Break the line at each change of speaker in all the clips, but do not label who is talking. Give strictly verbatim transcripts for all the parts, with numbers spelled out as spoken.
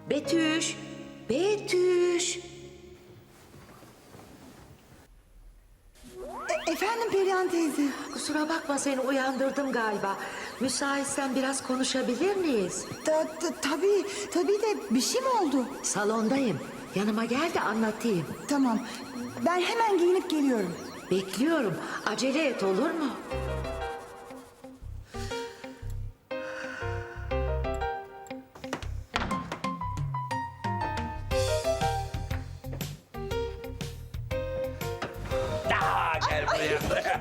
Betüş, Betüş.
E- efendim Perihan teyze.
Kusura bakma seni uyandırdım galiba. Müsaitsen biraz konuşabilir miyiz?
Ta, ta, tabii, tabii de bir şey mi oldu?
Salondayım. Yanıma gel de anlatayım.
Tamam, ben hemen giyinip geliyorum.
Bekliyorum. Acele et olur mu?
Aa, gel buraya.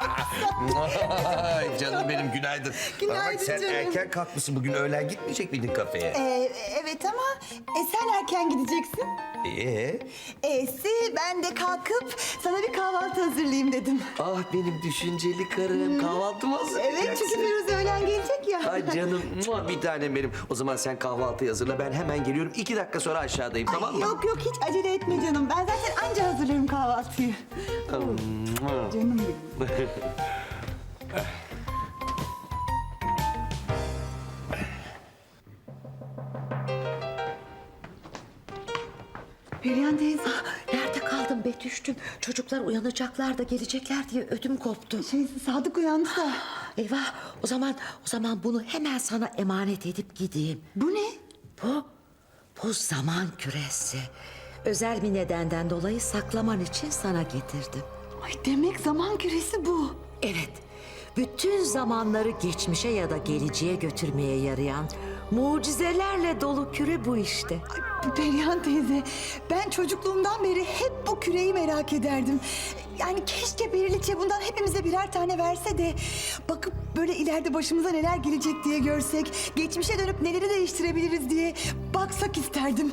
Ay, canım benim günaydın.
Günaydın
Bana bak, sen
canım.
erken kalkmışsın bugün, öğlen gitmeyecek miydin kafeye?
Ee, evet ama e, sen erken gideceksin.
Ee?
E'si ben de kalkıp sana bir kahvaltı hazırlayayım dedim.
Ah benim düşünceli karım, kahvaltı mı hazırlayacaksın?
Evet çünkü Firuze öğlen gelecek ya.
Ay canım, mua, bir tanem benim. O zaman sen kahvaltıyı hazırla, ben hemen geliyorum. İki dakika sonra aşağıdayım,
Ay,
tamam mı?
Yok yok hiç acele etme canım. Ben zaten anca hazırlarım kahvaltıyı.
Mua.
Canım benim. Perihan teyze.
Nerede kaldın Betüş'tüm? Çocuklar uyanacaklar da gelecekler diye ödüm koptu.
Şey, Sadık uyandı da.
Eyvah, o zaman o zaman bunu hemen sana emanet edip gideyim.
Bu ne?
Bu, bu zaman küresi. Özel bir nedenden dolayı saklaman için sana getirdim.
Ay demek zaman küresi bu.
Evet, bütün zamanları geçmişe ya da geleceğe götürmeye yarayan mucizelerle dolu küre bu işte.
Ay, Perihan teyze, ben çocukluğumdan beri hep bu küreyi merak ederdim. Yani keşke Periliçe bundan hepimize birer tane verse de... ...bakıp böyle ileride başımıza neler gelecek diye görsek... ...geçmişe dönüp neleri değiştirebiliriz diye baksak isterdim.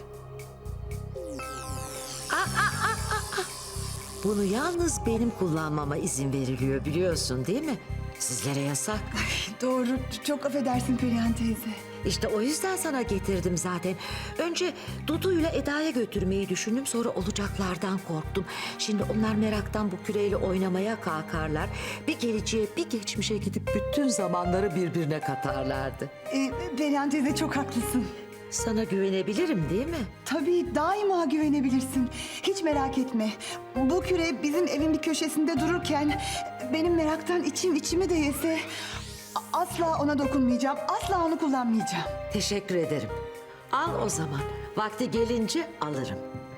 Bunu yalnız benim kullanmama izin veriliyor biliyorsun değil mi? Sizlere yasak.
Doğru, çok affedersin Perihan teyze.
İşte o yüzden sana getirdim zaten. Önce Dudu'yla Eda'ya götürmeyi düşündüm. Sonra olacaklardan korktum. Şimdi onlar meraktan bu küreyle oynamaya kalkarlar. Bir geleceğe bir geçmişe gidip bütün zamanları birbirine katarlardı.
Ee, Perihan teyze çok haklısın.
Sana güvenebilirim değil mi?
Tabii daima güvenebilirsin. Hiç merak etme. Bu küre bizim evin bir köşesinde dururken... ...benim meraktan içim içimi de yese... a- ...asla ona dokunmayacağım. Asla onu kullanmayacağım.
Teşekkür ederim. Al o zaman. Vakti gelince alırım.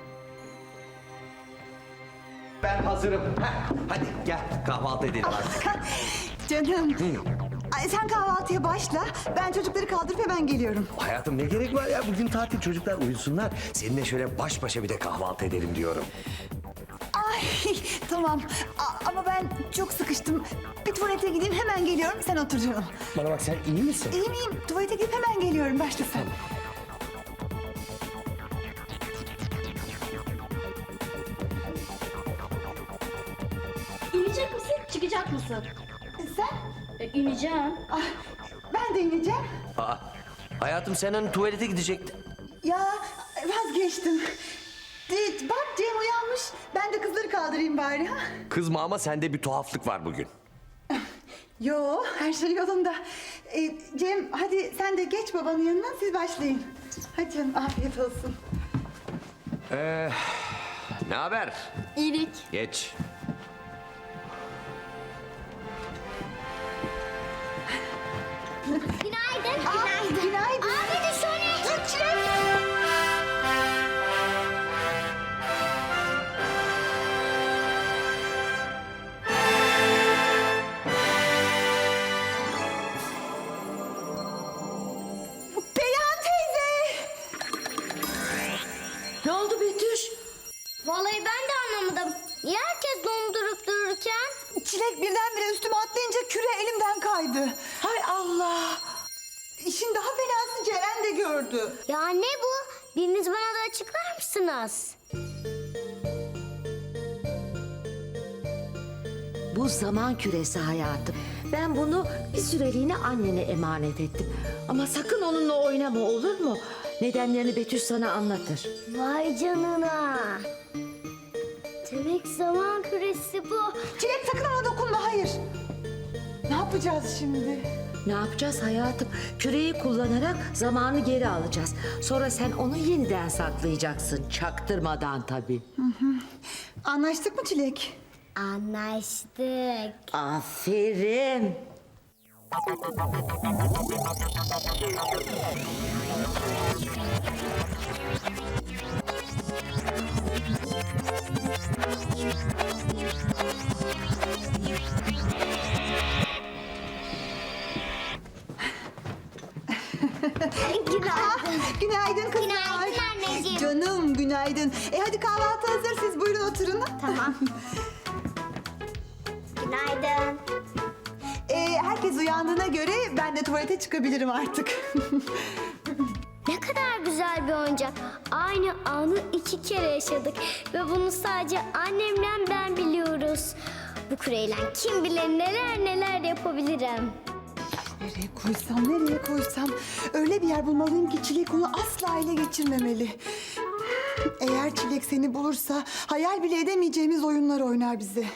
Ben hazırım. Heh, hadi gel kahvaltı edelim artık.
Canım. Ay, sen kahvaltıya başla. Ben çocukları kaldırıp hemen geliyorum.
Hayatım ne gerek var ya, bugün tatil, çocuklar uyusunlar. Seninle şöyle baş başa bir de kahvaltı edelim diyorum.
Ay tamam. A- ama ben çok sıkıştım. Bir tuvalete gideyim hemen geliyorum. Sen otur canım.
Bana bak, sen iyi misin?
İyi miyim? Tuvalete gidip hemen geliyorum. Başla sen.
İnecek misin, çıkacak mısın?
E, sen?
E, ineceğim.
Ah, ben de ineceğim.
Aa, hayatım sen hani tuvalete gidecektin.
Ya vazgeçtim. De, bak Cem uyanmış. Ben de kızları kaldırayım bari. Ha?
Kızma ama sende bir tuhaflık var bugün.
Yo her şey yolunda. Ee, Cem hadi sen de geç babanın yanına siz başlayın. Hadi canım afiyet olsun.
Ne haber?
İyilik.
Geç.
Günaydın.
Aa, günaydın.
Abi de şöyle.
Dur Çilek. Perihan teyze.
Ne oldu Betüş?
Vallahi ben de anlamadım. Niye herkes dondurup dururken?
Çilek birdenbire üstüme atlayınca küre elimden kaydı.
Hay Allah!
İşin daha fenası Ceren de gördü.
Ya ne bu? Biriniz bana da açıklar mısınız?
Bu zaman küresi hayatım. Ben bunu bir süreliğine annene emanet ettim. Ama sakın onunla oynama olur mu? Nedenlerini Betüş sana anlatır.
Vay canına. Demek zaman küresi bu.
Çilek sakın ona dokunma hayır. Ne yapacağız şimdi?
Ne yapacağız hayatım? Küreyi kullanarak zamanı geri alacağız. Sonra sen onu yeniden saklayacaksın. Çaktırmadan tabii.
Anlaştık mı Çilek?
Anlaştık.
Aferin.
Günaydın.
Günaydın kızlar.
Günaydın anneciğim.
Canım günaydın. E hadi kahvaltı hazır, siz buyurun oturun.
Tamam. Günaydın.
E, herkes uyandığına göre ben de tuvalete çıkabilirim artık.
Ne kadar güzel bir oyuncak. Aynı anı iki kere yaşadık. Ve bunu sadece annemle ben biliyoruz. Bu küreyle kim bilir neler neler yapabilirim.
Nereye koysam, nereye koysam? Öyle bir yer bulmalıyım ki Çilek onu asla ele geçirmemeli. Eğer Çilek seni bulursa hayal bile edemeyeceğimiz oyunlar oynar bize.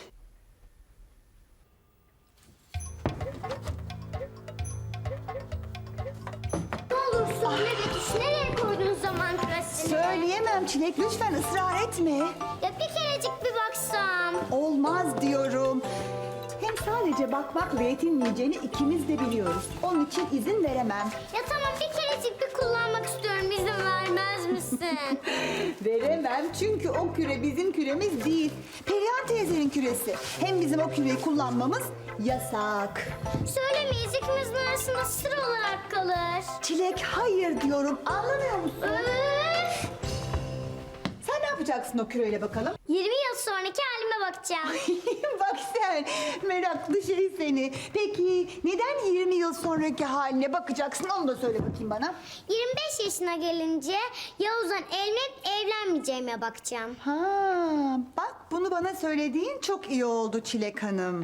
Ne olur söyle Betüş, nereye koydun zaman küresini?
Söyleyemem Çilek, lütfen ısrar etme.
Ya bir kerecik bir baksam.
Olmaz diyorum. Hem sadece bakmakla yetinmeyeceğini ikimiz de biliyoruz. Onun için izin veremem.
Ya tamam bir kerecik bir kullanmak istiyorum. İzin vermez misin?
Veremem çünkü o küre bizim küremiz değil. Perihan teyzenin küresi. Hem bizim o küreyi kullanmamız yasak.
Söylemeyiz, ikimizin arasında sır olarak kalır.
Çilek hayır diyorum, anlamıyor musun?
Öf!
Sen ne yapacaksın o küreyle bakalım?
yirmi yıl sonraki halime bakacağım.
Bak sen, meraklı şey seni. Peki neden yirmi yıl sonraki haline bakacaksın, onu da söyle bakayım bana.
yirmi beş yaşına gelince Yavuz'dan evlenip evlenmeyeceğime bakacağım.
Ha, bak bunu bana söylediğin çok iyi oldu Çilek Hanım.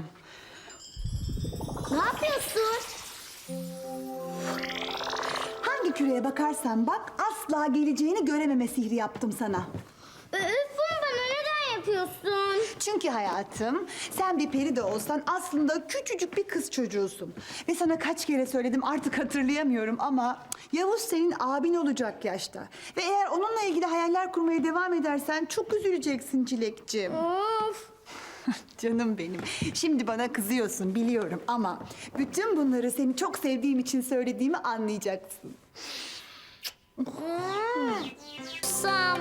Ne yapıyorsun?
Hangi küreye bakarsan bak asla geleceğini görememe sihri yaptım sana.
Öf, bunu bana neden yapıyorsun?
Çünkü hayatım sen bir peri de olsan aslında küçücük bir kız çocuğusun. Ve sana kaç kere söyledim artık hatırlayamıyorum ama Yavuz senin abin olacak yaşta. Ve eğer onunla ilgili hayaller kurmaya devam edersen çok üzüleceksin Çilekciğim.
Of!
Canım benim. Şimdi bana kızıyorsun biliyorum ama bütün bunları seni çok sevdiğim için söylediğimi anlayacaksın.
Sam.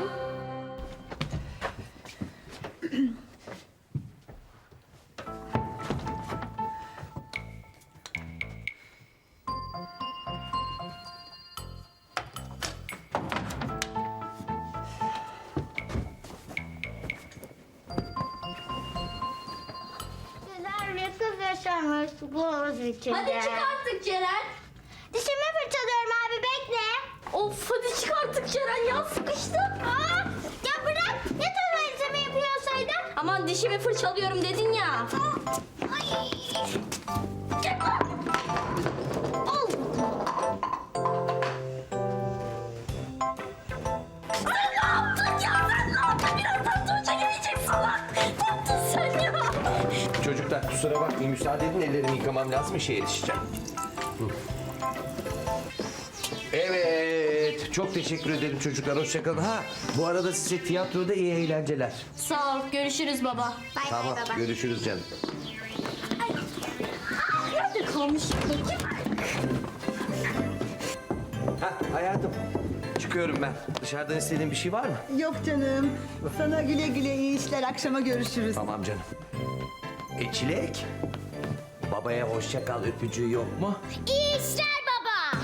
Güzel bir kız yaşamış bu havuz içinde.
Hadi çık artık Ceren.
Dişimi fırçalıyorum abi bekle.
Of hadi çık artık Ceren ya sıkıştım.
Aa, ya bırak. Ya tuvaletimi yapıyorsaydın?
Aman dişimi fırçalıyorum dedin ya.
Ay.
Al. Sen ne yaptın ya? Sen ne yaptın? Birazdan Tuğçe gelecek salak. Ne yaptın sen ya?
Çocuklar kusura bakmayın, müsaade edin, ellerimi yıkamam lazım, işe yetişeceğim. Hı. Evet, çok teşekkür ederim çocuklar, hoşçakalın. Ha, bu arada size tiyatroda iyi eğlenceler.
Sağ ol görüşürüz baba.
Bay
Tamam,
bay baba.
görüşürüz canım.
Nerede kalmış?
Ha hayatım, çıkıyorum ben. Dışarıdan istediğin bir şey var mı?
Yok canım. Sana güle güle iyi işler. Akşama görüşürüz.
Tamam canım. E Çilek, babaya hoşça kal öpücüğü yok mu?
İyi işler baba.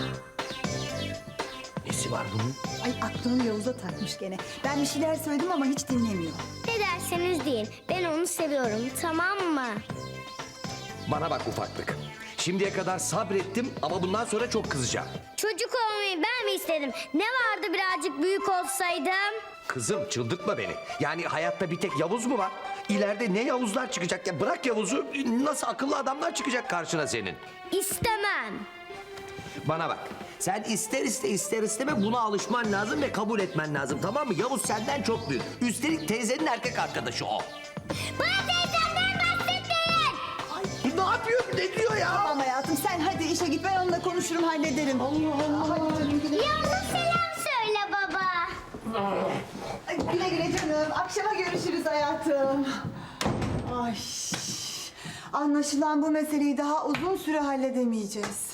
Nesi var bunun?
Ay aklını Yavuz'a takmış gene. Ben bir şeyler söyledim ama hiç dinlemiyor.
Ne derseniz deyin. Ben onu seviyorum tamam mı?
Bana bak ufaklık. Şimdiye kadar sabrettim ama bundan sonra çok kızacağım.
Çocuk olmayı ben mi istedim? Ne vardı birazcık büyük olsaydım?
Kızım çıldırtma beni. Yani hayatta bir tek Yavuz mu var? İleride ne Yavuzlar çıkacak ya? Bırak Yavuz'u. Nasıl akıllı adamlar çıkacak karşına senin?
İstemem.
Bana bak. Sen ister iste ister isteme buna alışman lazım ve kabul etmen lazım, tamam mı? Yavuz senden çok büyük. Üstelik teyzenin erkek arkadaşı o.
Bana teyzemden bahsetmeyin.
Ne yapıyor? Ne diyor ya?
Tamam hayatım sen hadi işe git ben onunla konuşurum hallederim. Allah Allah. Hadi canım güle.
Yalnız selam söyle baba.
Ay, güle güle canım. Akşama görüşürüz hayatım. Ay. Anlaşılan bu meseleyi daha uzun süre halledemeyeceğiz.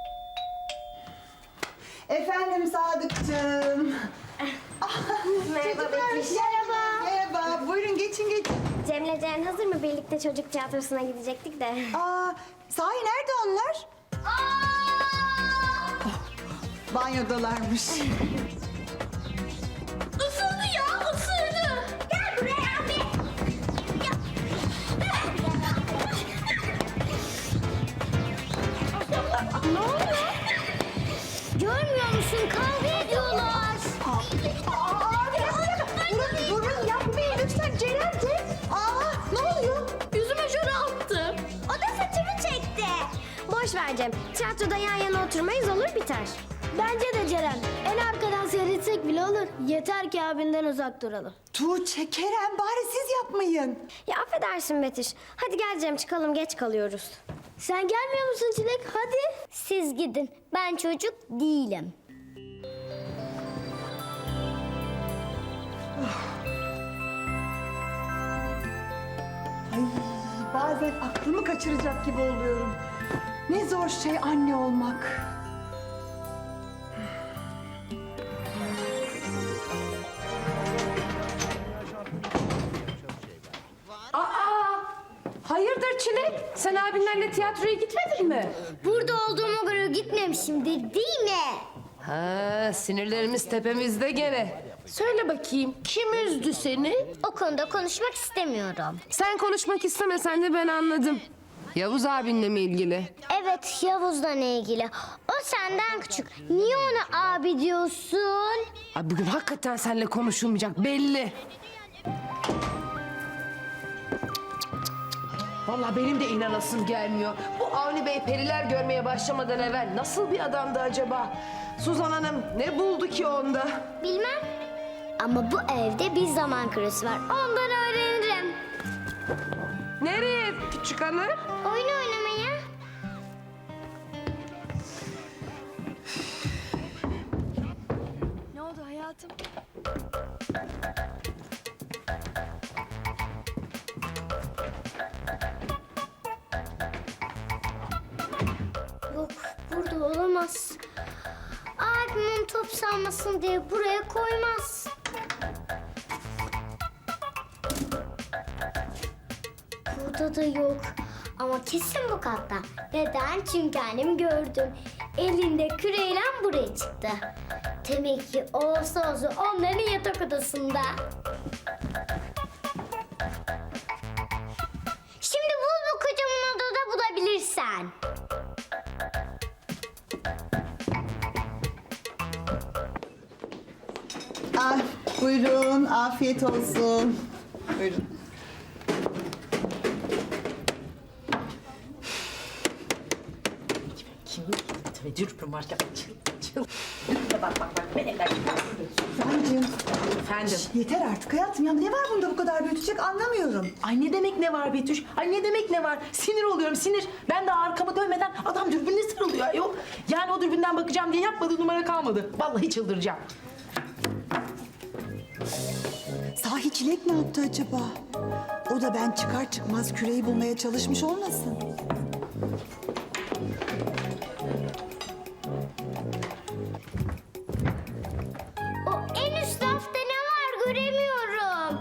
Efendim Sadıkçığım.
Merhaba
Çocuklar,
Betüş.
Merhaba. Merhaba. Buyurun geçin geçin.
Cem'le Ceren hazır mı? Birlikte çocuk tiyatrosuna gidecektik de.
Aa, sahi nerede onlar? Banyodalarmış.
Isırdı ya ısırdı. Gel buraya abi.
Ne oluyor? Görmüyor musun? Kavga ediyorlar.
Aa, bir dakika. Durun, durun yapmayın lütfen Ceren de. Aa, ne oluyor?
Yüzüme jöle attı.
O da saçımı çekti. Boş ver Cem. Tiyatroda yan yana oturmayız olur biter. Bence de Ceren. En arkadan seyretsek bile olur. Yeter ki abinden uzak duralım.
Tuğçe, Kerem bari siz yapmayın.
Ya affedersin Betüş. Hadi gel Cem çıkalım geç kalıyoruz. Sen gelmiyor musun Çilek? Hadi. Siz gidin. Ben çocuk değilim.
Ay, bazen aklımı kaçıracak gibi oluyorum. Ne zor şey anne olmak.
Hayırdır Çilek? Sen abinlerle tiyatroya gitmedin mi?
Burada olduğuma göre gitmemişimdir değil mi?
Ha, sinirlerimiz tepemizde gene. Söyle bakayım, kim üzdü seni?
O konuda konuşmak istemiyorum.
Sen konuşmak istemesen de ben anladım. Yavuz abinle mi ilgili?
Evet Yavuz'la ilgili. O senden küçük. Niye ona abi diyorsun?
Ay bugün hakikaten seninle konuşulmayacak belli. Vallahi benim de inanasım gelmiyor. Bu Avni Bey periler görmeye başlamadan evvel nasıl bir adamdı acaba? Suzan Hanım ne buldu ki onda?
Bilmem. Ama bu evde bir zaman küresi var. Ondan öğrenirim.
Nereye küçük hanım?
Oyun oynamaya.
Ne oldu hayatım?
Yok burada olamaz. Abimin top salmasın diye buraya koymaz. Burada da yok. Ama kesin bu katta. Neden? Çünkü annem gördüm. Elinde küreyle buraya çıktı. Demek ki olsa olsa onların yatak odasında. Şimdi bul bu kocaman odada bulabilirsen.
Ah, buyurun, afiyet olsun. Buyurun. Sancığım,
Efendim.
yeter artık hayatım ya. Ne var bunda bu kadar büyütecek anlamıyorum.
Ay ne demek ne var Betüş? Ay ne demek ne var? Sinir oluyorum sinir. Ben de arkamı dönmeden adam dürbünle sarılıyor ayol. Yani o dürbünden bakacağım diye yapmadığı numara kalmadı. Vallahi çıldıracağım.
Sahi Çilek ne yaptı acaba? O da ben çıkar çıkmaz küreyi bulmaya çalışmış olmasın?
O en üst rafta ne var göremiyorum.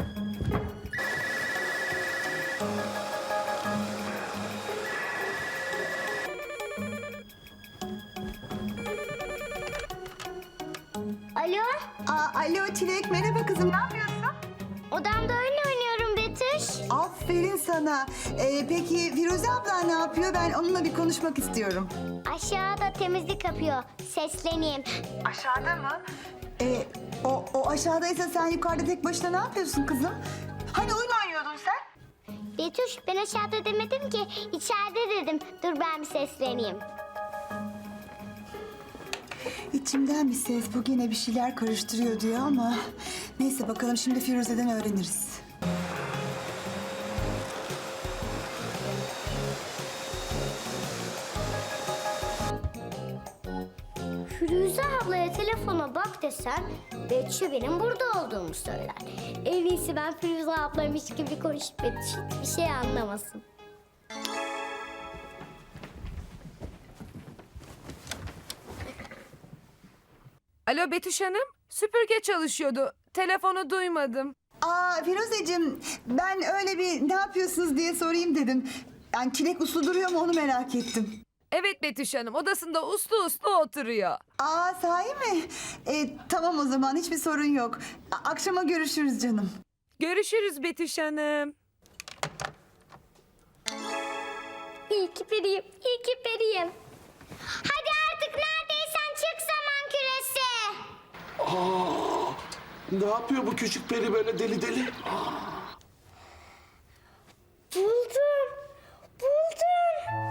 Alo,
Aa, alo Çilek, merhaba kızım, ne yapıyorsun?
odamda oyun oynuyorum Betüş.
Aferin sana. Ee, peki Firuze abla ne yapıyor? Ben onunla bir konuşmak istiyorum.
Aşağıda temizlik yapıyor. Sesleneyim.
Aşağıda mı? Ee, o, o aşağıdaysa sen yukarıda tek başına ne yapıyorsun kızım? Hani oyun oynuyordun sen?
Betüş ben aşağıda demedim ki içeride dedim. Dur ben bir sesleneyim.
İçimden bir ses bu gene bir şeyler karıştırıyor diyor ama... Neyse bakalım şimdi Firuze'den öğreniriz.
telefona bak desen Betüş'e benim burada olduğumu söyler. En iyisi ben Firuze ablamış gibi konuşup Betüş hiçbir şey anlamasın.
Alo Betüş Hanım, süpürge çalışıyordu. Telefonu duymadım.
Aa Firuzeciğim, ben öyle bir ne yapıyorsunuz diye sorayım dedim. Yani çilek uslu duruyor mu onu merak ettim.
Evet Betüş Hanım, odasında uslu uslu oturuyor.
Aa sahi mi? E, tamam o zaman hiçbir sorun yok. A- akşama görüşürüz canım.
Görüşürüz Betüş Hanım.
İyi ki periyim, iyi ki periyim. Hadi artık neredeysen çık zaman küresi.
Ne yapıyor bu küçük peri böyle deli deli?
Buldum, buldum.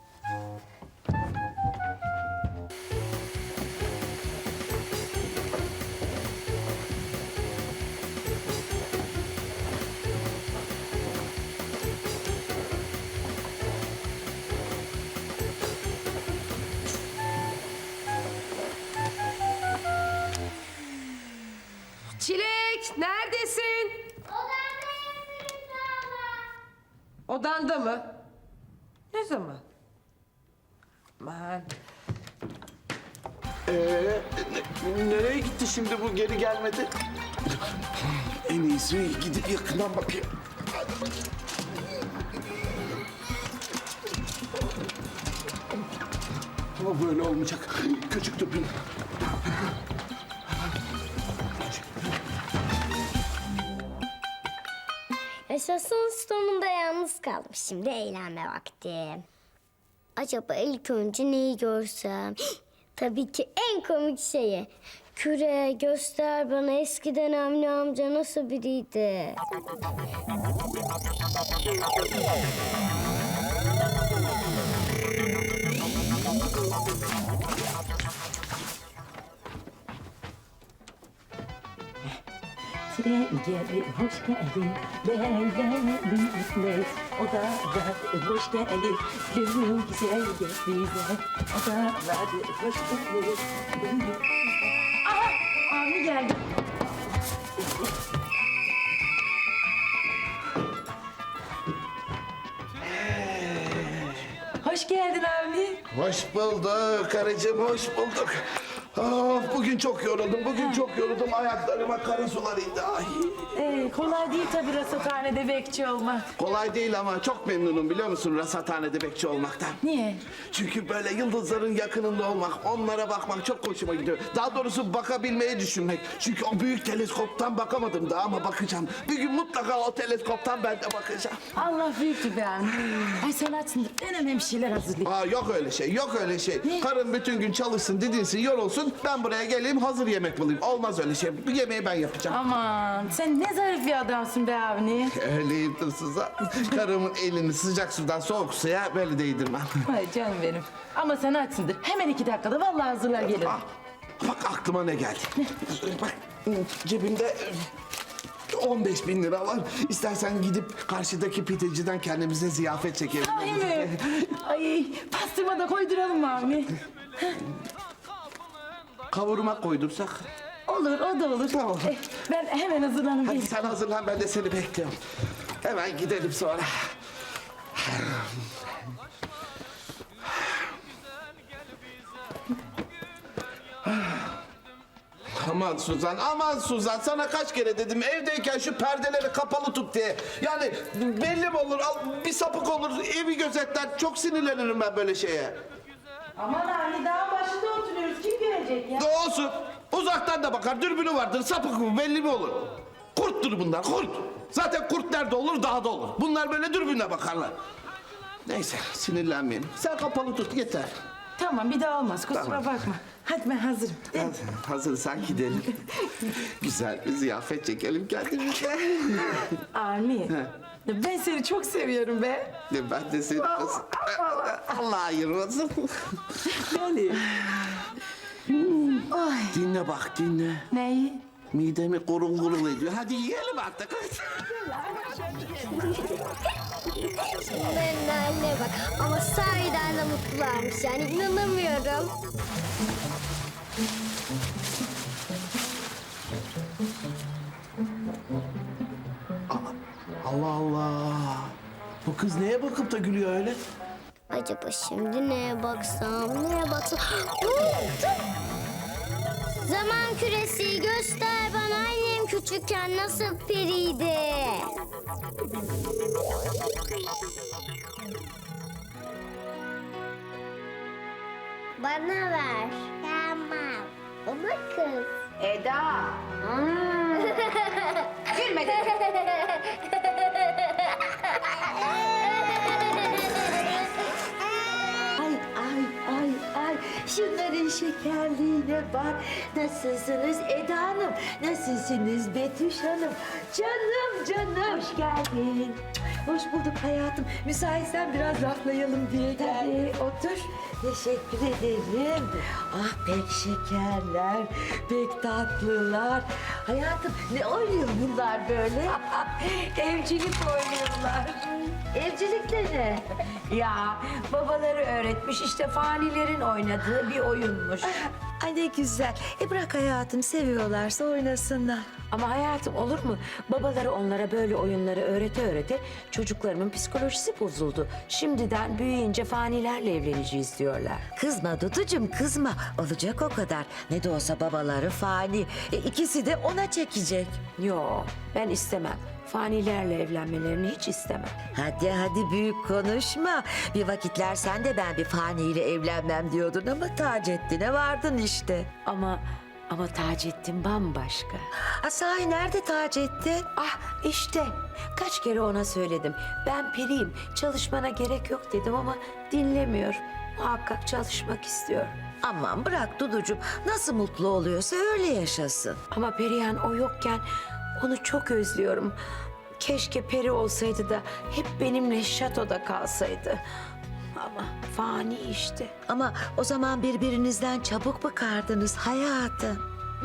Çilek neredesin? Odanda mı? Ne zaman? Aman.
Ee, ne- nereye gitti şimdi bu geri gelmedi? En iyisi gidip yakından bakayım. Hadi bakayım. Ama böyle olmayacak. Küçük dürbün.
Yaşasın sonunda yalnız kaldım. Şimdi eğlenme vakti. Acaba ilk önce neyi görsem? Tabii ki en komik şeyi. Küre göster bana eskiden Avni amca nasıl biriydi?
Tren geldi, hoş geldin. Beğendim etmez. O da vardı, hoş geldin. Gönlüm güzel gel bize. O da vardı, hoş geldin.
Aha Avni geldi. Hoş geldin Avni.
Hoş bulduk karıcığım, hoş bulduk. Of, bugün çok yoruldum, bugün çok yoruldum. Ayaklarıma kara sular indi. Ay.
Ee, kolay değil tabii rasathanede bekçi olmak.
Kolay değil ama çok memnunum biliyor musun rasathanede bekçi olmaktan.
Niye?
Çünkü böyle yıldızların yakınında olmak, onlara bakmak çok hoşuma gidiyor. Daha doğrusu bakabilmeyi düşünmek. Çünkü o büyük teleskoptan bakamadım daha ama bakacağım. Bir gün mutlaka o teleskoptan ben de bakacağım.
Allah büyüktü be Avni. Ay sen açsın. En önemli şeyler hazırlayayım.
Aa, yok öyle şey, yok öyle şey. Karın bütün gün çalışsın, didinsin, yorulsun. Ben buraya geleyim, hazır yemek bulayım. Olmaz öyle şey. Bu yemeği ben yapacağım.
Aman sen ne zarif bir adamsın be Avni.
Öyleyim Suzan. Karımın elini sıcak sudan soğuk suya böyle değdirmem.
Ay canım benim. Ama sen açsındır. Hemen iki dakikada vallahi hazırlar gelirim.
Ah, bak aklıma ne geldi. Bak cebimde on beş bin lira var. İstersen gidip karşıdaki pideciden kendimize ziyafet çekelim.
Sahi mi? Ay pastırma da koyduralım mı Avni?
Kavurma koydursak.
Olur o da olur.
Tamam.
Eh, ben hemen hazırlanayım.
Hadi sen hazırlan, ben de seni bekliyorum. Hemen gidelim sonra. Aman Suzan, aman Suzan. Sana kaç kere dedim evdeyken şu perdeleri kapalı tut diye. Yani belli mi olur, al, bir sapık olur, evi gözetler. Çok sinirlenirim ben böyle şeye.
Aman Avni dağın başında oturuyoruz. Kim görecek ya?
Ne olsun, uzaktan da bakar, dürbünü vardır, sapık mı belli mi olur? Kurttur bunlar, kurt. Zaten kurt nerede olur, dağda olur. Bunlar böyle dürbünle bakarlar. Neyse, sinirlenmeyelim. Sen kapalı tut, yeter.
Tamam bir daha olmaz kusura
Tamam.
bakma. Hadi ben hazırım.
Hadi, hazırsan gidelim. Güzel bir ziyafet çekelim kendimize.
Avni ben seni çok seviyorum be.
Ben de seni... Allah ayırmasın.
Yani. Ay.
Dinle bak, dinle.
Neyi?
Midemi gurul gurul ediyor. Hadi yiyelim artık.
Bunların haline bak. Ama sahiden de mutlularmış yani inanamıyorum.
Allah Allah. Bu kız neye bakıp da gülüyor öyle?
Acaba şimdi neye baksam, neye baksam? Buldum. Zaman küresi göster bana annem küçükken nasıl periydi. Bana ver. Tamam. Ama kız.
Eda. Gülme dedim.
Ay ay ay ay şunların şekerliğine bak. Nasılsınız Eda Hanım? Nasılsınız Betüş Hanım? Canım canım. Hoş geldin. Hoş bulduk hayatım. Müsaitsen biraz laflayalım diye geldim. Otur. Teşekkür ederim. Ah pek şekerler, pek tatlılar. Hayatım ne oynuyor bunlar böyle? Evcilik oynuyorlar. Evcilik de ne?
Ya babaları öğretmiş işte fanilerin oynadığı bir oyunmuş.
Ay ne güzel. E bırak hayatım seviyorlarsa oynasınlar.
Ama hayatım olur mu? Babaları onlara böyle oyunları öğrete öğrete çocuklarımın psikolojisi bozuldu. Şimdiden büyüyünce fanilerle evleneceğiz diyorlar.
Kızma Duducuğum kızma. Olacak o kadar. Ne de olsa babaları fani. E, ikisi de ona çekecek.
Yo ben istemem. Fanilerle evlenmelerini hiç istemem.
Hadi hadi büyük konuşma. Bir vakitler sen de ben bir faniyle evlenmem diyordun ama Taceddin'e vardın işte.
Ama ama Taceddin bambaşka.
Ha, sahi nerede Taceddin?
Ah işte kaç kere ona söyledim. Ben periyim çalışmana gerek yok dedim ama dinlemiyor. Muhakkak çalışmak istiyor.
Aman bırak Duducuğum. Nasıl mutlu oluyorsa öyle yaşasın.
Ama Perihan o yokken onu çok özlüyorum. Keşke peri olsaydı da hep benimle şatoda kalsaydı. Ama fani işte.
Ama o zaman birbirinizden çabuk bıkardınız hayatım.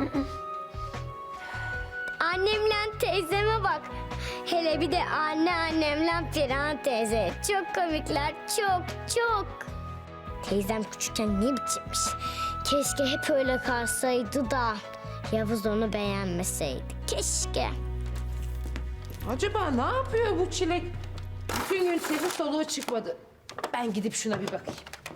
Annemle teyzeme bak. Hele bir de anneannemle Perihan teyze. Çok komikler, çok çok. Teyzem küçükken ne biçimmiş. Keşke hep öyle kalsaydı da Yavuz onu beğenmeseydi. Keşke.
Acaba ne yapıyor bu çilek? Bütün gün sesi soluğu çıkmadı. Ben gidip şuna bir bakayım.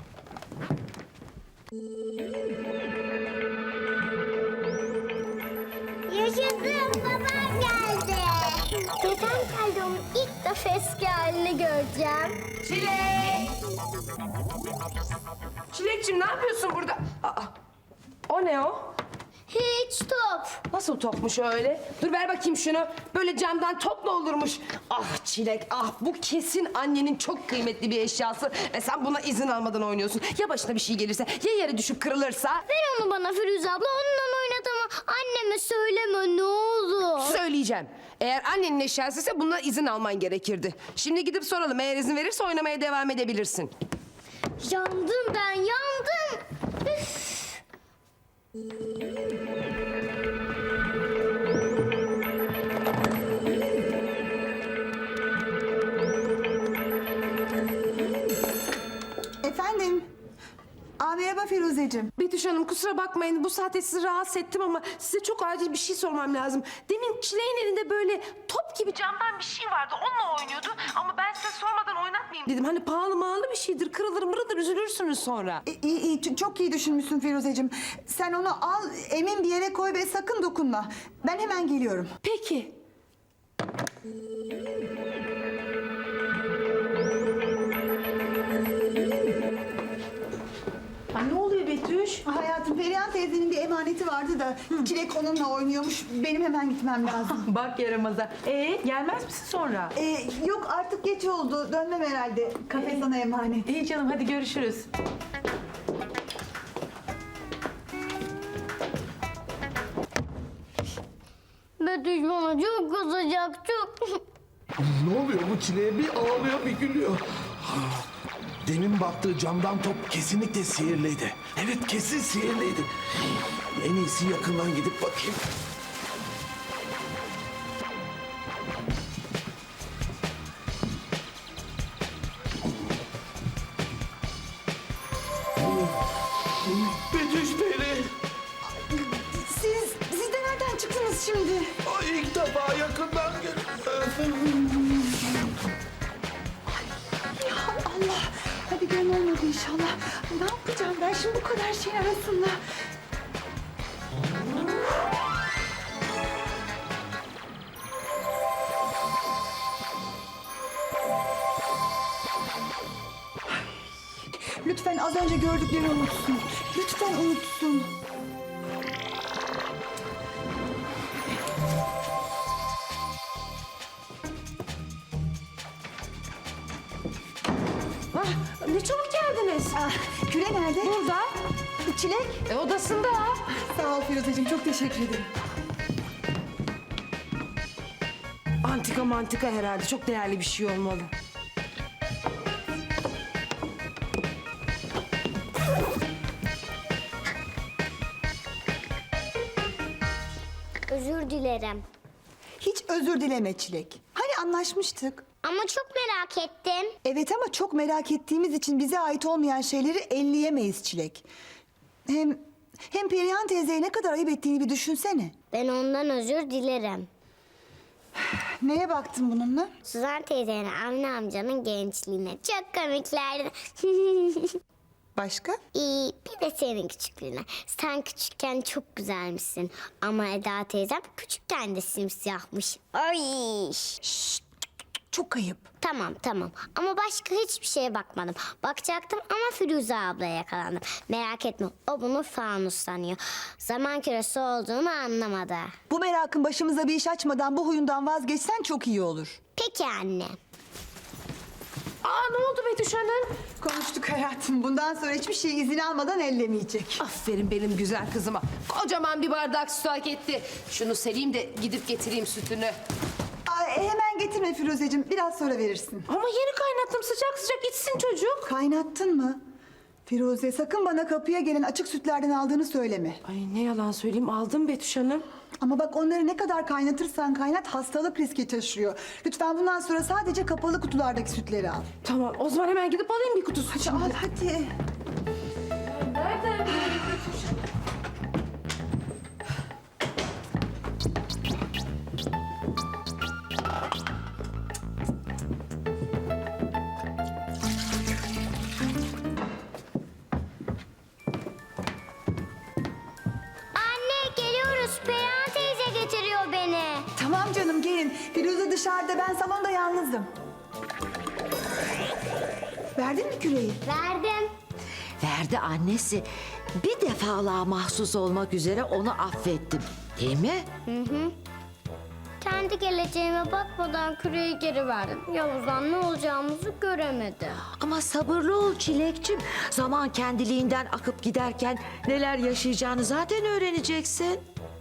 Yaşasın, babam geldi. Dedem geldi, onun ilk defa eski halini göreceğim.
Çilek! Çilekciğim ne yapıyorsun burada? Aa, o ne o?
Hiç top.
Nasıl topmuş öyle? Dur ver bakayım şunu. Böyle camdan top mu olurmuş? Ah Çilek ah bu kesin annenin çok kıymetli bir eşyası. Ve sen buna izin almadan oynuyorsun. Ya başına bir şey gelirse ya yere düşüp kırılırsa?
Ver onu bana Firuze abla, onunla oynat ama anneme söyleme ne olur.
Söyleyeceğim. Eğer annenin eşyasıysa bundan izin alman gerekirdi. Şimdi gidip soralım. Eğer izin verirse oynamaya devam edebilirsin.
Yandım ben, yandım. Üf.
Efendim? Aa, merhaba Firuzeciğim.
Betüş Hanım kusura bakmayın bu saatte sizi rahatsız ettim ama size çok acil bir şey sormam lazım. Demin Çileğin elinde böyle top gibi camdan bir şey vardı onunla oynuyordu ama ben size sormadan oynatmayayım dedim. Hani pahalı mağalı bir şeydir kırılır mırılır üzülürsünüz sonra.
E, iyi, iyi, ç- çok iyi düşünmüşsün Firuzeciğim. Sen onu al, emin bir yere koy ve sakın dokunma. Ben hemen geliyorum.
Peki.
Ha, ne oluyor Betüş?
Hayatım, Perihan teyzenin bir emaneti vardı da Çilek onunla oynuyormuş. Benim hemen gitmem lazım.
Bak yaramaza. Ee gelmez misin sonra?
Ee, yok artık geç oldu. Dönmem herhalde. Kafe sana emanet.
İyi canım hadi görüşürüz.
Betüş bana çok kızacak, çok.
Ne oluyor bu çileğe? Bir ağlıyor bir gülüyor. Demin baktığı camdan top kesinlikle sihirliydi. Evet kesin sihirliydi. En iyisi yakından gidip bakayım. Betüş Peri.
Siz, siz de nereden çıktınız şimdi?
Ay, ilk defa yakından gel.
Allah. Hadi gön olmadı inşallah. Ay, ne yapacağım ben şimdi bu kadar şeyin arasında? Lütfen az önce gördüklerini unutsun. Lütfen unutsun.
Ah, ne çabuk geldiniz.
Ah, Küre nerede?
Burada.
Çilek.
E, odasında.
Sağ ol Firuzeciğim, çok teşekkür ederim.
Antika mantika herhalde. Çok değerli bir şey olmalı.
Özür dilerim.
Hiç özür dileme Çilek. Hani anlaşmıştık?
Ama çok merak ettim.
Evet ama çok merak ettiğimiz için bize ait olmayan şeyleri elleyemeyiz Çilek. Hem hem Perihan teyzeye ne kadar ayıp ettiğini bir düşünsene.
Ben ondan özür dilerim.
Neye baktın bununla?
Suzan teyzenin Avni amcanın gençliğine. Çok komiklerdi.
Başka?
İyi, bir de senin küçüklüğüne. Sen küçükken çok güzelmişsin. Ama Eda teyzem küçükken de simsiyahmış. Ay.
Çok ayıp.
Tamam tamam ama başka hiçbir şeye bakmadım. Bakacaktım ama Firuze ablaya yakalandım. Merak etme, o bunu fanus sanıyor. Zaman küresi olduğunu anlamadı.
Bu merakın başımıza bir iş açmadan bu huyundan vazgeçsen çok iyi olur.
Peki anne.
Aa, ne oldu Betüş Hanım?
Konuştuk hayatım. Bundan sonra hiçbir şey izin almadan ellemeyecek.
Aferin benim güzel kızıma. Kocaman bir bardak süt hak etti. Şunu sereyim de gidip getireyim sütünü.
Ay, hemen getirme Firuzeciğim. Biraz sonra verirsin.
Ama yeni kaynattım, sıcak sıcak içsin çocuk.
Kaynattın mı? Firuze sakın bana kapıya gelen açık sütlerden aldığını söyleme.
Ay ne yalan söyleyeyim, aldım Betüş Hanım.
Ama bak onları ne kadar kaynatırsan kaynat hastalık riski taşıyor. Lütfen bundan sonra sadece kapalı kutulardaki sütleri al.
Tamam, o zaman hemen gidip alayım bir kutu süt
Hadi
şimdi.
al hadi.
Nereden bileyim Betüş Hanım?
Anne geliyoruz. Perihan teyze getiriyor beni.
Tamam canım gelin. Firuze dışarıda, ben salonda yalnızım. Verdin mi küreği?
Verdim.
Verdi annesi. Bir defalığa mahsus olmak üzere onu affettim. Değil mi?
Kendi geleceğime bakmadan küreği geri verdim. Yavuz'dan ne olacağımızı göremedim.
Ama sabırlı ol Çilekçim. Zaman kendiliğinden akıp giderken neler yaşayacağını zaten öğreneceksin.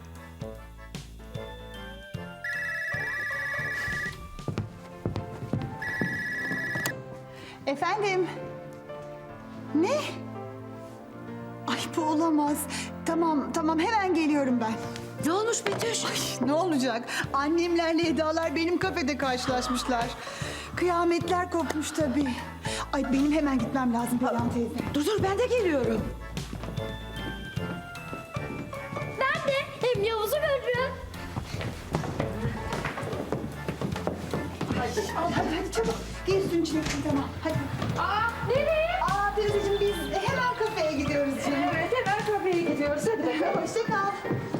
Efendim? Ne? Ay bu olamaz. Tamam tamam hemen geliyorum ben.
Ne olmuş Betüş?
Ne olacak? Annemlerle Eda'lar benim kafede karşılaşmışlar. Kıyametler kopmuş tabii. Ay benim hemen gitmem lazım Perihan teyze.
Dur dur ben de geliyorum.
Ben de hem Yavuz'u görürüm.
Al hadi hadi çabuk. Gir üstünü çileksin tamam. Hadi.
Aa, nereye?
Aa Firuzeciğim biz hemen kafeye gidiyoruz canım.
Evet, hemen kafeye gidiyoruz. Hadi bakalım.
Hoşça kal.